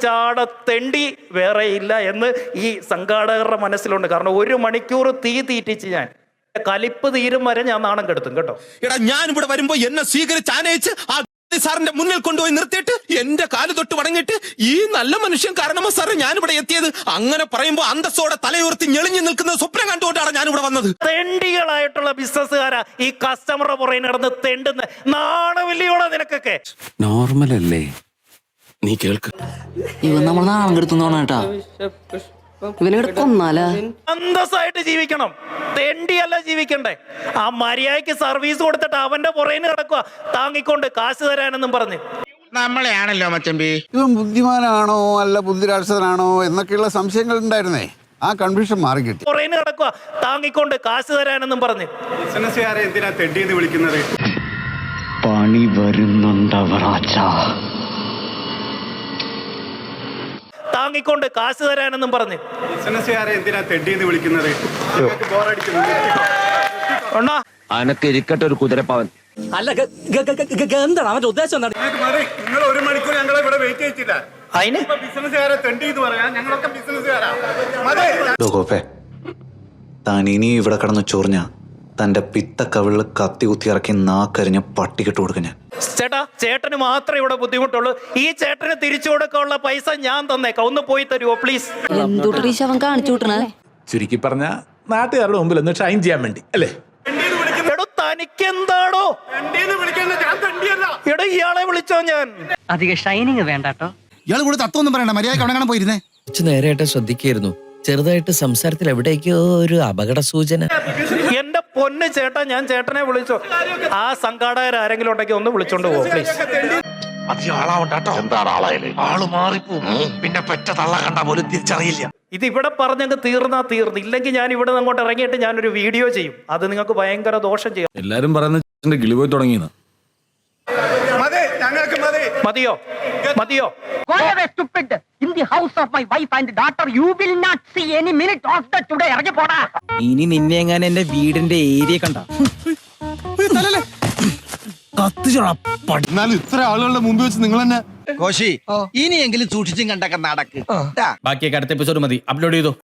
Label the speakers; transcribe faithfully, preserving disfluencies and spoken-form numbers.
Speaker 1: ചാട തെണ്ടി വേറെ ഇല്ല എന്ന് ഈ സംഘാടകരുടെ മനസ്സിലുണ്ട്. കാരണം ഒരു മണിക്കൂർ തീ തീറ്റിച്ച് ഞാൻ കലിപ്പ് തീരും വരെ ഞാൻ നാണം കെടുത്തും കേട്ടോ.
Speaker 2: എടാ ഞാൻ ഇവിടെ വരുമ്പോ എന്നെ സ്വീകരിച്ച് ആനയിച്ച് ആ സാറിന്റെ മുന്നിൽ കൊണ്ടുപോയി നിർത്തിയിട്ട് എന്റെ കാല് തൊട്ട് വടങ്ങിട്ട് ഈ നല്ല മനുഷ്യൻ കാരണമോ സാറേ ഞാനിവിടെ എത്തിയത്. അങ്ങനെ പറയുമ്പോ അന്തസ്സോടെ തലയുയർത്തി ഞെളിഞ്ഞു നിൽക്കുന്ന സ്വപ്നം കണ്ടുകൊണ്ടാണ് ഞാനിവിടെ വന്നത്.
Speaker 1: തെണ്ടികളായിട്ടുള്ള ബിസിനസ്സുകാരാ ഈ കസ്റ്റമറുടെ പുറകെ നടന്ന് തെണ്ടുന്ന നാണവില്ലിയോടെ നിനക്കൊക്കെ.
Speaker 3: നോർമൽ അല്ലേ നീ കേൾക്ക്.
Speaker 4: ഇവൻ നമ്മൾ നാണം കെടുത്തുന്നോണ കേട്ടാ. ഇവനെ കൊന്നാലാ
Speaker 1: അന്തസ്സായിട്ട് ജീവിക്കണം, തെണ്ടിയല്ല ജീവിക്കണ്ടേ. ആ മര്യാദയ്ക്ക് സർവീസ് കൊടുത്തിട്ട് അവന്റെ പുറകെ കിടക്കുക താങ്ങിക്കൊണ്ട് കാശ് തരാനെന്നും പറഞ്ഞ്.
Speaker 5: നമ്മളെയാണല്ലോ മച്ചമ്പി.
Speaker 6: ഇവൻ ബുദ്ധിമാനാണോ അല്ല ബുദ്ധിരാക്ഷസനാണോ എന്നൊക്കെയുള്ള സംശയങ്ങൾ ഉണ്ടായിരുന്നേ. ആ കൺഫ്യൂഷൻ മാറി കിട്ടി.
Speaker 1: പുറകെ കിടക്കുക താങ്ങിക്കൊണ്ട് കാശ് തരാനെന്നും പറഞ്ഞ്.
Speaker 7: ബിസിനസ്സുകാരെ എന്തിനാ തെണ്ടിന്ന് വിളിക്കുന്നത്?
Speaker 3: പണി വരുന്നുണ്ടവറാച്ചാ.
Speaker 1: താങ്ങിക്കൊണ്ട് കാശ് തരാനെന്നും പറഞ്ഞ്.
Speaker 7: ബിസിനസ്സുകാരെ എന്തിനാ തെണ്ടിന്ന് വിളിക്കുന്നത്?
Speaker 2: അനക്ക് ഇരിക്കട്ടെ ഒരു കുതിരപ്പവൻ.
Speaker 4: അല്ല എന്താണ് അവന്റെ ഉദ്ദേശം?
Speaker 7: നിങ്ങൾ ഒരു മണിക്കൂർ ഞങ്ങളെ ഇവിടെ വെയിറ്റ് ചെയ്യിച്ചില്ല.
Speaker 1: അതിന്
Speaker 7: ബിസിനസ്സുകാരെ തെണ്ടി എന്ന് പറയാം. ഞങ്ങളൊക്കെ ബിസിനസ്സുകാരാ.
Speaker 8: താൻ ഇനി ഇവിടെ കടന്ന് ചൊറിഞ്ഞ തന്റെ പിത്ത കവിളിൽ കത്തി കുത്തി ഇറക്കി നാക്കരിഞ്ഞ പട്ടിക്കിട്ട് കൊടുക്കും ഞാൻ.
Speaker 1: ചേട്ടാ, ചേട്ടന് മാത്രമേ ഇവിടെ ബുദ്ധിമുട്ടുള്ളൂ. ഈ ചേട്ടന് തിരിച്ചു കൊടുക്കാനുള്ള പൈസ ഞാൻ തന്നേക്കാം. ഒന്ന് പോയി തരുമോ പ്ലീസ്?
Speaker 4: എന്തുട്ടീ അവൻ കാണിച്ചു വിട്ടണേ?
Speaker 9: ചുരുക്കി പറഞ്ഞ നാട്ടുകാരുടെ മുമ്പിൽ ഒന്ന് ഷൈൻ ചെയ്യാൻ വേണ്ടി അല്ലേ?
Speaker 1: എടോ തനിക്കെന്താടോ? എടോ ഇയാളെ വിളിച്ചോ ഞാൻ.
Speaker 4: അധികം ഷൈനിങ് വേണ്ടട്ടോ.
Speaker 6: ഇയാൾ കൂടെ തത്വമൊന്നും പറയണ്ട. മര്യാദ അവിടെ പോയിരുന്നേ.
Speaker 3: കുറച്ചു നേരമായിട്ട് ശ്രദ്ധിക്കായിരുന്നു. ചെറുതായിട്ട് സംസാരത്തിൽ എവിടേക്കോ ഒരു അപകട സൂചന.
Speaker 1: എന്റെ പൊന്ന് ചേട്ടാ, ഞാൻ ചേട്ടനെ വിളിച്ചോ. ആ സംഘാടകർ ആരെങ്കിലും ഉണ്ടെങ്കിൽ ഒന്ന് വിളിച്ചോണ്ട് പോകും പ്ലീസ്.
Speaker 2: പിന്നെ പെറ്റ തള്ള കണ്ട പോലും തിരിച്ചറിയില്ല.
Speaker 1: ഇത് ഇവിടെ പറഞ്ഞങ്ങ് തീർന്നാ തീർന്നു. ഇല്ലെങ്കിൽ ഞാൻ ഇവിടെ അങ്ങോട്ട് ഇറങ്ങിയിട്ട് ഞാനൊരു വീഡിയോ ചെയ്യും. അത് നിങ്ങൾക്ക് ഭയങ്കര ദോഷം ചെയ്യും.
Speaker 9: എല്ലാരും പറയുന്ന കിളി പോയി തുടങ്ങിയെന്ന്.
Speaker 1: മതിയോ മതിയോ?
Speaker 4: ഇനി നിന്നെ എങ്ങനെ എന്റെ വീടിന്റെ ഏരിയ കണ്ട
Speaker 6: എന്നാലും ഇത്ര ആളുകളുടെ മുമ്പിൽ വെച്ച് നിങ്ങൾ തന്നെ
Speaker 5: കോശി ഇനിയെങ്കിലും സൂക്ഷിച്ചും കണ്ടൊക്കെ നടക്ക്.
Speaker 9: ബാക്കിയൊക്കെ അടുത്ത എപ്പിസോഡ് മതി. അപ്ലോഡ് ചെയ്തോ.